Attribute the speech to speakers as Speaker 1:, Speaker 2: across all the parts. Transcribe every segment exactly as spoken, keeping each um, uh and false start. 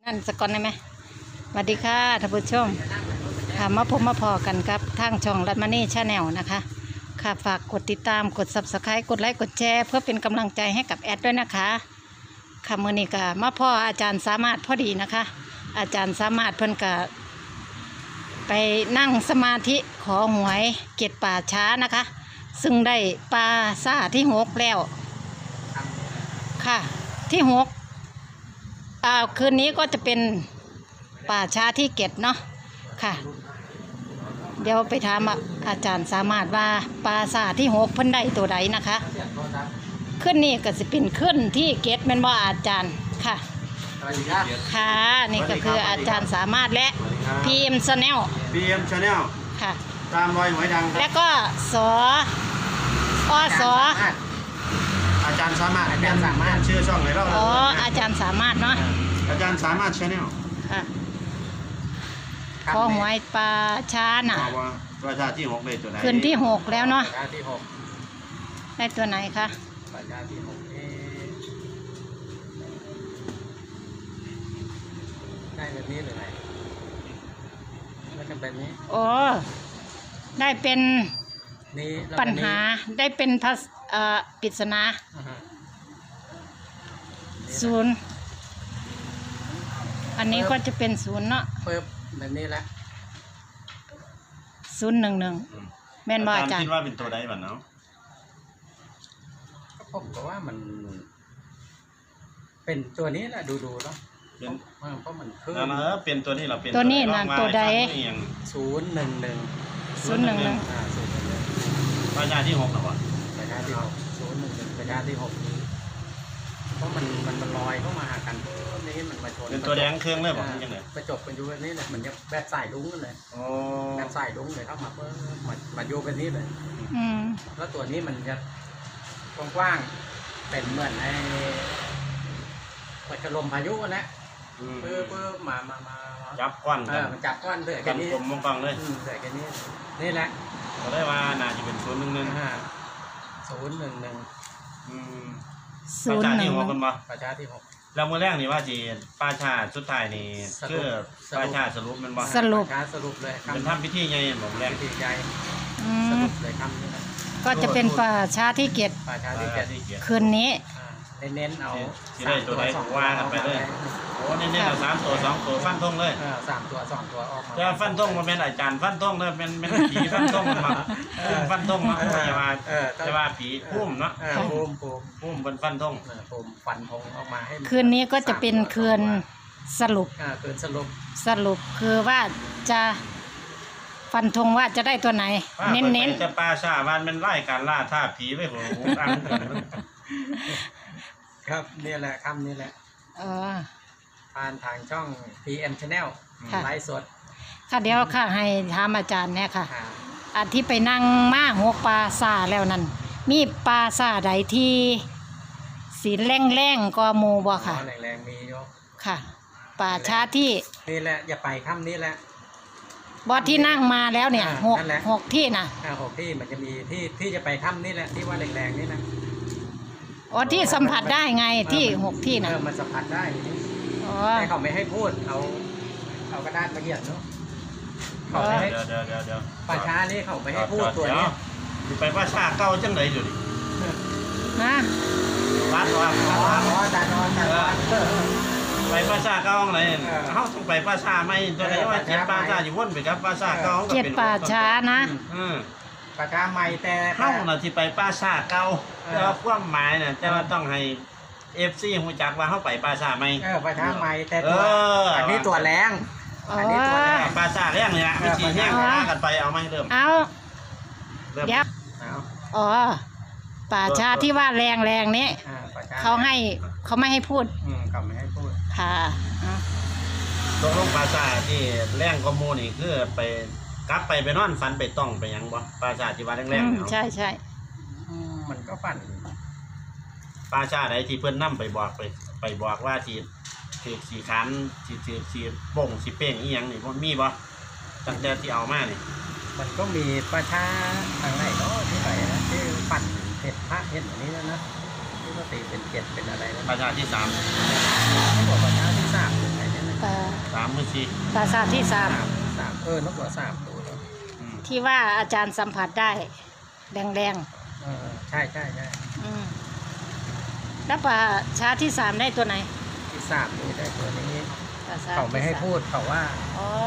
Speaker 1: อันสกอนได้ไหมสวัสดีค่ะท่านผู้ชมค่ะมาพบมาพอกันครับทางช่องรัตมานี่ชาแนลนะคะค่ะฝากกดติดตามกด ซับสไครบ์ กดไลค์กดแชร์เพื่อเป็นกำลังใจให้กับแอดด้วยนะคะค่ะมื้อนี้ก็มาพ่ออาจารย์สามารถพอดีนะคะ อาจารย์สามารถเพิ่นก็ไปนั่งสมาธิขอหวยเกตป่าช้านะคะ ซึ่งได้ปลาซ่าที่หกแล้วค่ะที่หกอ่าคืนนี้ก็จะเป็นป่าช้าที่เกตเนาะค่ะเดี๋ยวไปถามอาจารย์สามารถว่าปลาซ่าที่หกเพิ่นได้ตัวใดนะคะขึ้นนี่ก็จะเป็นขึ้นที่เกตแม่นบ่อาจารย์ค่ะค่ะนี่ก็คืออาจารย์สามารถและพีเอ็มชาแนล
Speaker 2: พี เอ็ม Channel
Speaker 1: ค่ะ
Speaker 2: ตามรอยหวยดังครับ
Speaker 1: แล้วก็สออสอ
Speaker 2: อาจารย์สามารถอาจารย์สามารถชื่อช่องไหนเรา
Speaker 1: อ๋ออาจารย์สามารถเนาะ
Speaker 2: อาจารย์สามารถ Channel
Speaker 1: ค่ะขอหวยปลาช้าน่ะ
Speaker 2: ว่าประชาที่หกได้ตัวไหน
Speaker 1: คืนที่หกแล้วเนาะ
Speaker 3: ประชาที่หก
Speaker 1: ได้ตัวไหนคะ
Speaker 3: ประชาที่หกนี่ได้แบบนี้หรือไงไม่จำเป็นนี้
Speaker 1: โอ้ได้เป็น
Speaker 3: นี่แล้ว
Speaker 1: ปัญหาได้เป็นภาษเอ่อปริศนา
Speaker 3: อ่าฮะ
Speaker 1: ศูนย์อันนี้ก็จะเป็นศูนย์เนาะ
Speaker 3: เปิบแบบนี้แหละ
Speaker 1: ศูนย์หนึ่งหนึ่งแม่นบ่อาจาร
Speaker 2: คิ
Speaker 1: ย์
Speaker 2: ดว่าเป็นตัวใดบ้างเนาะ
Speaker 3: ก็ผมก็ว่ามัน เป็นตัวนี้แหละดูดูๆเนาะ
Speaker 2: เป็น
Speaker 3: เพราะมันคือ
Speaker 2: นั่นนะเป็นตัวนี้เราเป็น
Speaker 1: ตัวนี้นะตัวใด
Speaker 3: ศูนย์หนึ่งหนึ่ง
Speaker 1: ศูนย์หนึ่งหนึ่ง
Speaker 3: อ่าศูนย์หนึ่งหนึ่ง
Speaker 2: ประชาที่หกหรอวะ
Speaker 3: ประชาที่หกศูนย์หนึ่งหนึ่งประชาที่หกเพราะมันมันมันลอยเข้ามาหากันนี้มันมาชน
Speaker 2: เป็นตัวแดงเครื่องเลยบอกยังไง
Speaker 3: ประจบกันอยู่แบบนี้เลยเหมือนจะแบบสายลุ้งกันเลย
Speaker 2: โอ้
Speaker 3: แบบสายลุ้งเลยเข้ามาเพิ่มมามาโยกันนี้เลย
Speaker 1: อืม
Speaker 3: แล้วตัวนี้มันจะกว้างๆเป็นเหมือนไอ้ปัจจลมพายุนะเพิ่มเพิ่มมามามา
Speaker 2: จับก้อน
Speaker 3: เออมันจับก้อนเดือด
Speaker 2: กั
Speaker 3: กัน นนี้
Speaker 2: กลมมองกองเลย
Speaker 3: อืมเดือดกันนี้นี่แหละ
Speaker 2: ก็ได้ว่าน่าจะเป็นศูนย์หนึ่งหนึ่ง
Speaker 3: อ่าศูนย์หนึ่งหนึ่ง
Speaker 2: อืมป
Speaker 1: ศู
Speaker 2: ระ
Speaker 1: นย์
Speaker 2: ชา
Speaker 1: หนึ่
Speaker 2: ที่
Speaker 1: ง
Speaker 2: ห
Speaker 1: ห
Speaker 2: ก
Speaker 1: นึ่
Speaker 2: กั
Speaker 1: ง
Speaker 2: นบ่
Speaker 3: ประชาที่หก
Speaker 2: แล้วมือแรกนี่ว่าจีป้าชาสุดท้ายนี่
Speaker 3: สรุป
Speaker 2: คือป้าชาสรุปมันบ่
Speaker 1: สรุป
Speaker 3: ประชาสรุปเลย
Speaker 2: เป็นทำพิธีไงบอกแรก
Speaker 3: วิธีใจ
Speaker 1: อื
Speaker 3: ส
Speaker 1: ม
Speaker 3: รุปเลยคำนี้นะ
Speaker 1: ก็จะเป็นป่าช้าที่เกต
Speaker 3: ประชาที่
Speaker 2: ที่
Speaker 3: เจ็ด
Speaker 2: ที่เกียรติ
Speaker 1: คืนนี้
Speaker 3: อ่าเน้นๆเอา
Speaker 2: ที่ได้ตัวไหน
Speaker 3: สอง
Speaker 2: ว่ากันไปเลย โอ้นี่นี่เราสามตัวสองตัวฟันทงเลย
Speaker 3: เออสามตัวสองตัวออกมา
Speaker 2: แต่ฟันทงมันเป็นอาจารย์ฟันทงเลยเป็นเป็นผีฟันทงมันมาพุ่มฟันทงมาจะว่า
Speaker 3: เออ
Speaker 2: จะว่าผีพุ่มเนาะ
Speaker 3: เออภูมิภูมิ
Speaker 2: พุ่มเป็นฟันทง
Speaker 3: เออภูมิฟันธงออกมาให้มั
Speaker 1: คืนนี้ก็จะเป็นคืนสรุป
Speaker 3: อ่าคืนสรุป
Speaker 1: สรุปคือว่าจะฟันธงว่าจะได้ตัวไหน เน้นเน้น
Speaker 2: จะปลาชาวันเป็นไล่การล่าท่าผีไว้หัวหูอังกัน
Speaker 3: ครับนี่แหละคำนี่แหละ
Speaker 1: ๆเออ
Speaker 3: ผ่านทางช่อง พี เอ็ม Channel
Speaker 1: ค่ะ
Speaker 3: ไลฟ์สด
Speaker 1: ค่ะเดี๋ยวค่ะให้ถามอาจารย์เนี่ยค่ะ
Speaker 3: อ่า
Speaker 1: อันที่ไปนั่งมาหัวปลาซาแล้วนั่นมีปลาซาใดที่สีแรงแรงๆก็หมูบ่ค่ะ
Speaker 3: อ๋อแรงๆมีโย
Speaker 1: ค่ะป่าช้าที่
Speaker 3: นี่แหละอย่าไปคำนี้แหละ
Speaker 1: บอที่นั่งมาแล้วเนี่ย
Speaker 3: อ่า
Speaker 1: หก
Speaker 3: นั่นแหละ
Speaker 1: หกที่นะ
Speaker 3: อ่าหกที่มันจะมีที่ที่จะไปคำนี่แหละที่ว่าแรงๆนี่นะ
Speaker 1: อ๋อที่สัมผัสได้ไงที่หกที่นะ
Speaker 3: เออมันสัมผัสได้
Speaker 1: อ๋อ
Speaker 3: แต่เขาไม่ให้พูดเอาเอากระดาษมาเขียนเนาะเขาไม่ให้
Speaker 2: เดี๋ยวเดี๋ยวเดี๋ยวเดี๋ยว
Speaker 3: ป่าช้านี่เขาไม่ให้พูดตัวนี้
Speaker 2: ไปปลาชาเก่าจังไหนอยู่ดิ
Speaker 1: นะ
Speaker 2: วัดว่า
Speaker 3: อ๋ออ๋อตาดอนตาดอนเออ
Speaker 2: ไปปลาชาเก่าไหน
Speaker 3: เออ
Speaker 2: เขาต้องไปปลาชาไม่ตัวไหนว่าเจ็ดปลาชาอยู่วนไปครับปลาชาเก่า
Speaker 1: เจ็ดป่าช้านะ
Speaker 2: อืม
Speaker 3: ป่าช้าใหม่แต่
Speaker 2: เข้าน่ะที่ไปปลาชาเก่า
Speaker 3: เออ
Speaker 2: แต่ว่าความหมายน่ะจะว่าต้องให้เอฟซีหูจักว่าเขาไปปลาชาไม่
Speaker 3: เออป่าช้าใหม่แต่
Speaker 2: เอ
Speaker 3: ตัว
Speaker 2: อ
Speaker 3: อันนี้ตัวแรง
Speaker 1: อ๋อ
Speaker 3: อันนี้ตัวแรง
Speaker 2: ปลาชาแรงเนี่ยไม่ฉีดแห้ง
Speaker 1: อ๋อ
Speaker 2: ฆ่ากันไปเอาไหมเริ่ม
Speaker 1: เอา
Speaker 2: เริ่ม
Speaker 1: เดี๋ยว
Speaker 3: เอา
Speaker 1: อ๋อป่าช้าที่ว่าแรงแรงๆนี้
Speaker 3: อ่าป่าช้า
Speaker 1: เขาให้เขาไม่ให้พูด
Speaker 3: อืมเขาไม่ให้พูด
Speaker 1: ค่ะอ๋อ
Speaker 2: ตกลงปลาชาที่แรงกว่าหมูนี่คือไปกลับไปไปนอนฝันไปต้องไปหยังบ่ปลาชาที่ว่าแรง
Speaker 1: อื
Speaker 2: ๆ
Speaker 1: ม
Speaker 2: เนี่ย
Speaker 1: ใช่ใช่
Speaker 3: อืมมันก็ปั่น
Speaker 2: ปลาชาใดที่เพิ่นนํไปบอกไปไปบอกว่าที่ถือสีขันสีถือสีโป่งสีเป้งอีหยังนี่บ่มีบ่ตั้งแต่ที่เอามานี่
Speaker 3: มันก็มีป่าช้าทางไหนเนาะที่ไหนนะที่ปั่นเห็ดพระเห็ดอันนี้นะนะที่ว่าตีเป็นเจ็ดเป็นอะไรนะ
Speaker 2: ปลาชาที่สาม
Speaker 3: ไม่บอกป่าช้าที่สามเป็นไหนเนี่ยนะ
Speaker 1: ป
Speaker 2: ามมือสี่
Speaker 1: ปราสาทที่สาม
Speaker 3: สามสามเออนกหัวสามตัวแล้ว
Speaker 2: อืม
Speaker 1: ที่ว่าอาจารย์สัมผัสได้แดง
Speaker 3: เออใช่ใช่ใช่
Speaker 1: ๆอืมแล้วป่าช้าที่สามได้ตัวไหน
Speaker 3: ที่สามนี่ได้ตัวนี้
Speaker 1: ป่าช้า
Speaker 3: เขาไม่ให้
Speaker 1: ที่ส
Speaker 3: พูดเขาว่า
Speaker 1: อ๋อ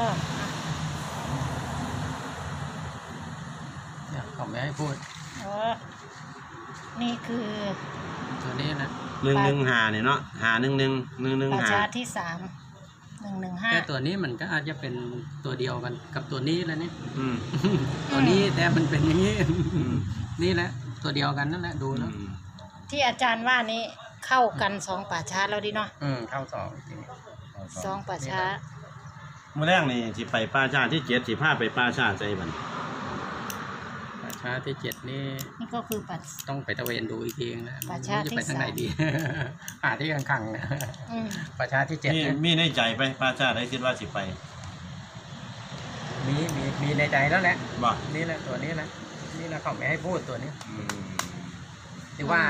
Speaker 3: เนี่ยเขาไม่ให้พูด
Speaker 1: อ๋อนี่คือ
Speaker 3: ตัวนี้นะ
Speaker 2: หนึ่งหนึ่งหาเนี่ยเนาะหาหนึ่งหนึ่งหนึ่งหนึ่ง
Speaker 1: ป่า
Speaker 2: หา
Speaker 1: ช้าที่สามหนึ่งหนึ่งห้า
Speaker 3: แต่ตัวนี้มันก็อาจจะเป็นตัวเดียวกันกับตัวนี้แล้วนี่
Speaker 2: อืม
Speaker 3: ตัวนี้แต่มันเป็นอย่างนี้
Speaker 2: อืม
Speaker 3: นี่แหละตัวเดียวกันนั่นแหละดูแล้ว
Speaker 2: อืม
Speaker 1: ที่อาจารย์ว่านี้เข้ากันสองป่าช้าแล้วดิเนาะ
Speaker 3: อืมเข้าสองทีนี้
Speaker 1: สองป่าช้า
Speaker 2: เมื่อแรกนี่สิไปป้าชาที่เจ็ดสิพาไปป้าชาใจบัน
Speaker 3: ป่าช้าที่เจ็ดนี่
Speaker 1: นี่ก็คือป่า
Speaker 3: ต้องไปตะเวนดูอีกทีนะ
Speaker 1: ป่าช้า
Speaker 3: ไม่รู้จะไป
Speaker 1: ที่
Speaker 3: ทางไหน
Speaker 1: สาม
Speaker 3: ดี หาที่ขังๆนะ
Speaker 1: อืม
Speaker 3: ป่าช้าที่เจ็ด
Speaker 2: มี
Speaker 3: เนี่ย
Speaker 2: มีในใจไปป้าชาได้คิดว่าสิไป
Speaker 3: มีมีมีในใจแล้วแหละ
Speaker 2: บ่
Speaker 3: นี่แหละตัวนี้แหละนี่แหละเขาไม่ให้พูดตัวนี้
Speaker 2: อืม
Speaker 3: ที่ว่า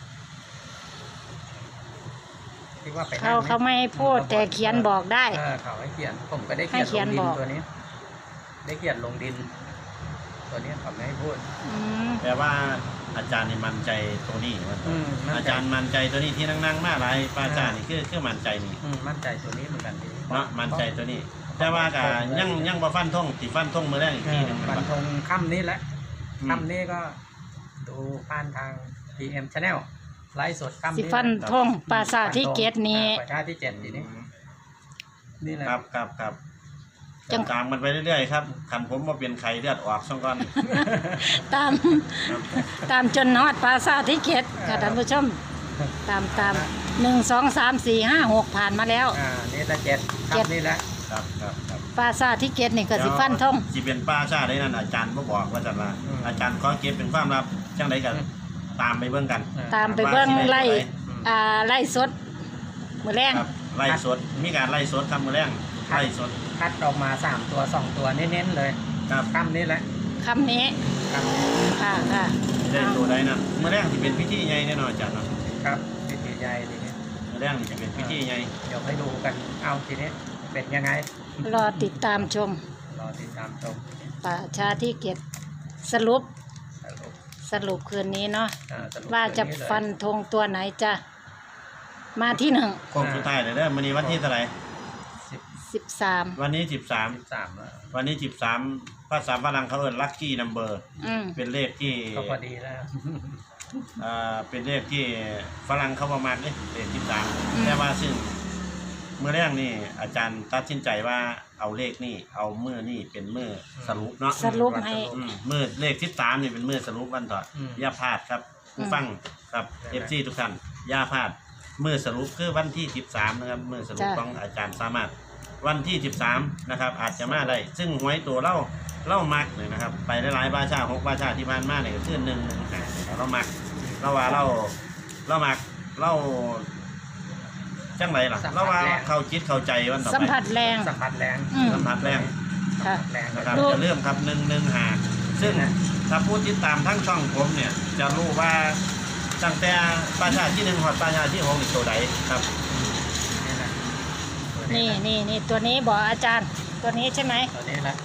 Speaker 3: ที่ว่าไป
Speaker 1: เขา
Speaker 3: นั่ง
Speaker 1: เขาไม่ให้พูดแต่เขียนบอกได้
Speaker 3: เออเขาให้เขียนผมก็ได้
Speaker 1: ให้
Speaker 3: เขียน
Speaker 1: เขี
Speaker 3: ล
Speaker 1: ยน
Speaker 3: งดิ
Speaker 1: บ
Speaker 3: น
Speaker 1: อก
Speaker 3: ตัวนี้ ได้เขียนลงดิน ตัวนี้เขาไม่ให้พูด
Speaker 1: อืม
Speaker 2: แต่ว่าอาจารย์นี่มั่นใจตัวนี้ว่า
Speaker 3: อืมมั่นใจ
Speaker 2: อาจารย์มั่นใจตัวนี้ที่นั่งๆมาหลายป้าชานี่คือคือมั่นใจนี่
Speaker 3: อืมมั่นใจตัวนี้เหมือนกันดี
Speaker 2: เนาะมั่นใจตัวนี้ แต่ว่าก็ยังยังบ่ฟันธงสิฟันธงมื้อแรกอีก
Speaker 3: เอ
Speaker 2: ที
Speaker 3: อ
Speaker 2: หนึง
Speaker 3: ฟันธงค่ำนี้แหละ
Speaker 2: อืม
Speaker 3: ค่ำนี้ก็ดูผ่านทาง พี เอ็ม Channel ไลฟ์สดค่ำ
Speaker 1: สิ
Speaker 3: นี้
Speaker 1: ฟันทงปราสาทที่เกตนี้
Speaker 3: ประชาที่เจ็ดทีนี้นี่แหละ
Speaker 2: ครับครับครับ
Speaker 1: จัง
Speaker 2: ตามมันไปเรื่อยๆครับคันผมมาเป็นไข้เลือดออกซ่องก่อน
Speaker 1: ตาม
Speaker 2: ครับ
Speaker 1: ตามจนนอดปราสาทที่เกตค่ะท่านผู้ชม ตามตามหนึ่งสองสามสี่ห้าหกผ่านมาแล้ว
Speaker 3: อ่านี่ละเจ็ด
Speaker 1: เจ็ด
Speaker 3: ค่ำนี่แหละ
Speaker 2: ครับครับครับ
Speaker 1: ปราสาทที่เกตนี่ก็สิฟันทง
Speaker 2: สิเป็นป้าชาได้นั่นอาจารย์บ่บอกว่าจังว่าอาจารย์ขอเก็บเป็นความลับจังไดกันตามไปเบิ่งกัน
Speaker 1: ตามไปเบิ้งไล่อ่าไล่สดมือแรง
Speaker 2: ครับไล่สดมีการไล่สดครับมื้อแรงไล่สด
Speaker 3: คัดออกมาสามตัวสองตัวเน้นๆเลย
Speaker 2: ครับ
Speaker 3: ค่ำนี่แหละ
Speaker 1: คำนี้
Speaker 3: ค่ำนี้
Speaker 1: ค่ะค่ะ
Speaker 2: ได้ตัวใดนั่นมื้อแรงสิเป็นพิธีใหญ่แน่นอนอาจารย์เนาะ
Speaker 3: ครับพิธีใหญ่ทีนี้
Speaker 2: มื้อแรงนี่สิเป็นพิธีใหญ่
Speaker 3: เดี๋ยวให้ดูกันเอาทีนี้เป็นยังไง
Speaker 1: รอติดตามชม
Speaker 3: รอติดตามชม
Speaker 1: ป่าชาที่เกตสรุป
Speaker 3: สรุป
Speaker 1: สรุปคืนนี้เนาะ
Speaker 3: อ่สรุป
Speaker 1: ว่าจะ
Speaker 3: เรื่องเลย
Speaker 1: ฟันธงตัวไหนจะมาที่หนึ่ง
Speaker 2: โค้งสุดท้ายเลยเด้อมื้อนี้วันที่เท่าไหร่
Speaker 3: สิบ
Speaker 1: สิบสาม
Speaker 2: วันนี้สิบสาม
Speaker 3: สิบสามแล้ว
Speaker 2: วันนี้สิบสามภาษาฝรั่งเขาเอิ้น lucky number
Speaker 1: อืม
Speaker 2: เป็นเลขที่
Speaker 3: ก็พอดีแล้ว
Speaker 2: อ่าเป็นเลขที่ฝรั่งเขาประมาณนี้เลขสิบสามแต่ว่าซึ่งเมื่อแรกนี่อาจารย์ตัดสินใจว่าเอาเลขนี่เอามือนี่เป็นมือสรุปเนาะ
Speaker 1: สรุปให้
Speaker 2: อืมมือเลขที่สามนี่เป็นมือสรุปวันต่ออ
Speaker 3: ม
Speaker 2: อย่าพลาดครับผู้ฟังครับเอฟซีทุกท่านอย่าพลาดมือสรุปคือวันที่สิบสามนะครับมือสรุป
Speaker 1: จ้ะ
Speaker 2: ของอาจารย์สามารถวันที่สิบสามนะครับอาจจะมาได้ ซึ่งหวยตัวเล่าเล่ามักเลยนะครับ ไปหลายๆบาชาหกบาชาที่บ้านมาเนี่ยก็คือหนึ่งหนึ่งหาเรามักเราว่าเราเรามักเราจังไรล่ะเราว่าเข้าจิตเข้าใจวันต่อ
Speaker 1: สัม
Speaker 2: ไป
Speaker 1: ผัสแรง
Speaker 3: สัมผัสแรง
Speaker 1: อืม
Speaker 2: สัมผัสแรง
Speaker 1: ค่ะ
Speaker 3: แรง
Speaker 2: นะครับ
Speaker 1: ดู
Speaker 2: จะเริ่มครับหนึ่งหนึ่งหาซึ่งถ้าพูดติดตามทั้งช่องผมเนี่ย จะรู้ว่าตั้งแต่ประชาที่หนึ่งหอดประชาที่หกอีกตัวใดครับ
Speaker 3: นี่แหละตัว
Speaker 1: นี่
Speaker 3: แหละ
Speaker 1: นี่นี่ตัวนี้บอกอาจารย์ ตัวนี้ใช่ไหม
Speaker 3: ตัวนี้แหละ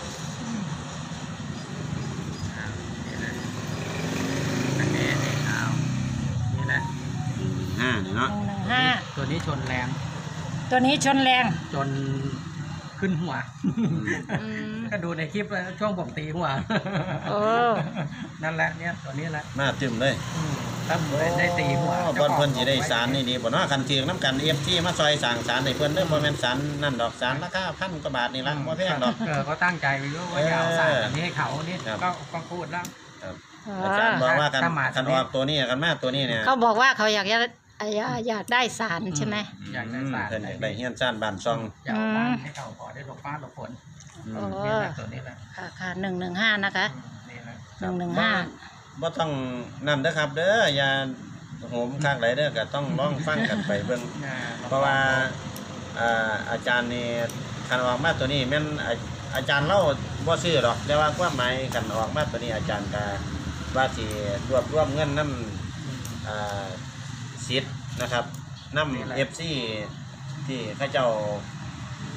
Speaker 3: อ่านี่แหละอันนี้นี่เอานี่แหละ
Speaker 2: ห้าเนี่ยเนาะ
Speaker 1: หนึ่งหนึ่งห้า
Speaker 3: ตัวนี้ชนแรง
Speaker 1: ตัวนี้ชนแรง
Speaker 3: จนขึ้นหัว
Speaker 1: อืม
Speaker 3: ก็ดูในคลิปแล้วช่วงผมตีหัว
Speaker 1: โอ้
Speaker 3: นั่นแหละเนี่ยตัวนี้แหละ
Speaker 2: มาตึมเลย
Speaker 3: อืมถ้าผมได้ตีหัว
Speaker 2: บอนเพิ่นสิได้สารนี่ดีบ่เนาะคันเทียงน้ำกันเอฟที่มาซอยสั่งสารให้เพิ่นเด้อบ่แม่นสารนั่นดอกสารราคาพันกว่าบาทนี่ล่ะบ่แพงดอก
Speaker 3: เออก็ตั้งใจไว้ด้วยว่าจะเอาสารอันนี้ให้เขานี่
Speaker 2: ครับ
Speaker 3: ก็ก็พูดแล้ว
Speaker 2: ครับ
Speaker 1: อ๋อ
Speaker 2: อาจารย์บอกว่ากัน
Speaker 3: ถ้ามา
Speaker 2: คันออกตัวนี้กันมาตัวนี้เนี่ย
Speaker 1: เขาบอกว่าเขาอยากจะอยากอยากได้สารใช่ไหม
Speaker 3: อยากได้สาร
Speaker 2: เพิ่นอยากได้เฮียนซ่านบ้านซ่อง
Speaker 3: จะเอาบ้านให้เขาขอได้หลบฟ้าหลบฝน
Speaker 2: อื
Speaker 1: โอ้
Speaker 2: ม
Speaker 3: นี่แหละตัวนี้แหละ
Speaker 1: ค่ะค่ะหนึ่งหนึ่งห้านะคะ
Speaker 3: อืมนี่แหละ
Speaker 1: หนึ่งหนึ่งห้า
Speaker 2: บ่ต้องนั่นเด้อครับ เด้ออย่าโหมข้างไหลเด้อก็ต้องลองฟังกันไปเบิ่ง
Speaker 3: อ่
Speaker 2: เพราะว่าอ่าอาจารย์นี่คันออกมาตัวนี้แม่นอาอาจารย์เล่าบ่ซื้อหรอกแต่ว่าความหมายคันออกมาตัวนี้อาจารย์ก็ว่าสิรวบรวมเงินนำอ่าสิทธิ์นะครับนำ เอฟ ซี ที่เขาเจ้า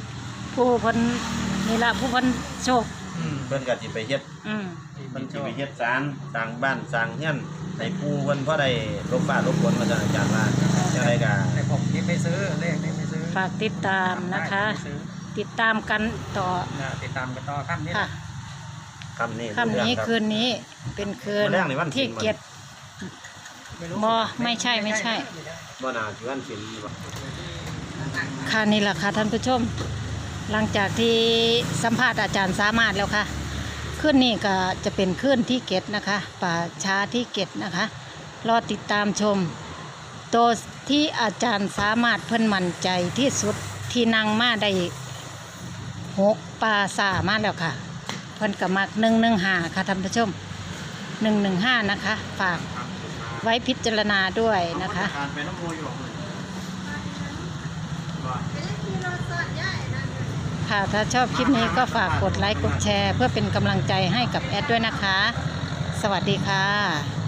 Speaker 1: ผู้เพิ่นนี่ละผู้เพิ่นโชค
Speaker 3: อืม
Speaker 2: เพิ่นก็สิไปเฮ็ด
Speaker 1: อืม
Speaker 2: เพิ่นสิไปเฮ็ดศาลสร้างบ้านสร้างเรือนให้ปู่เพิ่นพอได้ลบฟ้าลบฝนมาจากอาจารย์ว่าจังไดก็
Speaker 3: แต่ผมนี่ไปซื้อเลขนี่ไปซื้อ
Speaker 1: ฝากติดตามนะคะ
Speaker 3: ได้ไปซื้อ
Speaker 1: ติดตามกันต่อ
Speaker 3: นะติดตามกันต่อขั้นนี้
Speaker 1: ค่ะ
Speaker 2: คำนี้
Speaker 1: ค่ำนี้
Speaker 2: รับ
Speaker 1: คืนนี้เป็นคืน
Speaker 2: มื้อแรกนี่วัน
Speaker 1: ที่
Speaker 2: ศีลบ่
Speaker 1: เกียรติ บ่ไม่ใช่ไม่ใช่
Speaker 2: บ่น่าสิวันศิลบ่
Speaker 1: ค่ะนี่แหละค่ะท่านผู้ชม หลังจากที่สัมภาษณ์อาจารย์สามารถแล้วค่ะคืนนี้ก็จะเป็นคืนที่เก็ดนะคะป่าช้าที่เก็ดนะคะ รอติดตามชมตัวที่อาจารย์สามารถเพิ่นมั่นใจที่สุดที่นั่งมาได้หกปลาสามาแล้วค่ะ เพิ่นก็มักหนึ่งหนึ่งห้าค่ะท่านผู้ชมหนึ่งหนึ่งห้านะคะ ฝากไว้พิจารณาด้วยนะคะ
Speaker 2: การไปน้ำมูอยู่บ่
Speaker 1: ค่ะถ้าชอบคลิปนี้ก็ฝากกดไลค์กดแชร์ เพื่อเป็นกำลังใจให้กับแอดด้วยนะคะ สวัสดีค่ะ